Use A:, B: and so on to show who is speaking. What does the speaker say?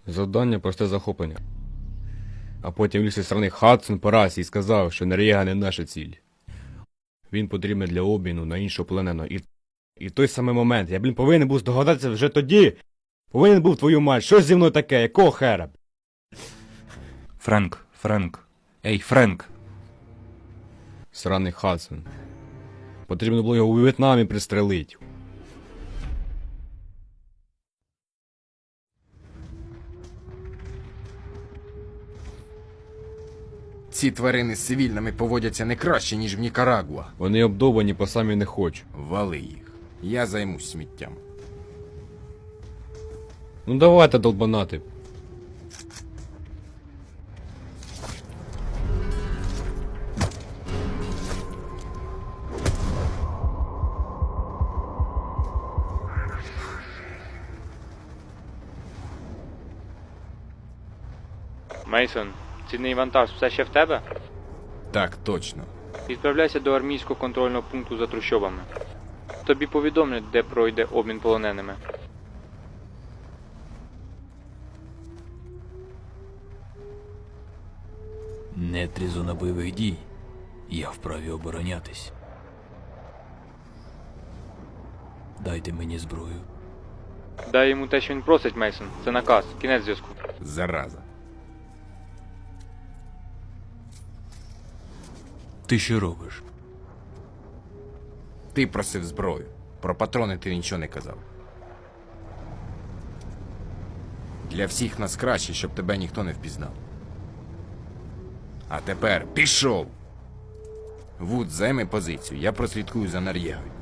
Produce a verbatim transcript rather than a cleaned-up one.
A: Завдання просте захоплення. А потім лісі сторони Хадсон по расі і сказав, що Нор'єга не наша ціль. Він потрібен для обміну на іншого плененого. І, і в той самий момент, я, блін, повинен був здогадатися вже тоді. Повинен був твою мать. Що зі мною таке? Якого хера?
B: Френк, Френк. Ей, Френк.
A: Сраний Хадсон. Потрібно було його у В'єтнамі пристрелити.
C: Ці тварини з цивільними поводяться не краще, ніж в Нікарагуа.
A: Вони обдовані, по самі не хочу.
C: Вали їх. Я займусь сміттям.
A: Ну давайте, долбанати.
D: Мейсон, цінний вантаж все ще в тебе?
C: Так, точно.
D: Відправляйся до армійського контрольного пункту за трущобами. Тобі повідомлять, де пройде обмін полоненими.
E: Нет резона бойових дій. Я вправі оборонятись. Дайте мені зброю.
D: Дай йому те, що він просить, Мейсон. Це наказ. Кінець зв'язку.
C: Зараза.
E: Ти що робиш?
C: Ти просив зброю. Про патрони ти нічого не казав. Для всіх нас краще, щоб тебе ніхто не впізнав. А тепер пішов! Вуд, займи позицію, я прослідкую за Нор'єгою.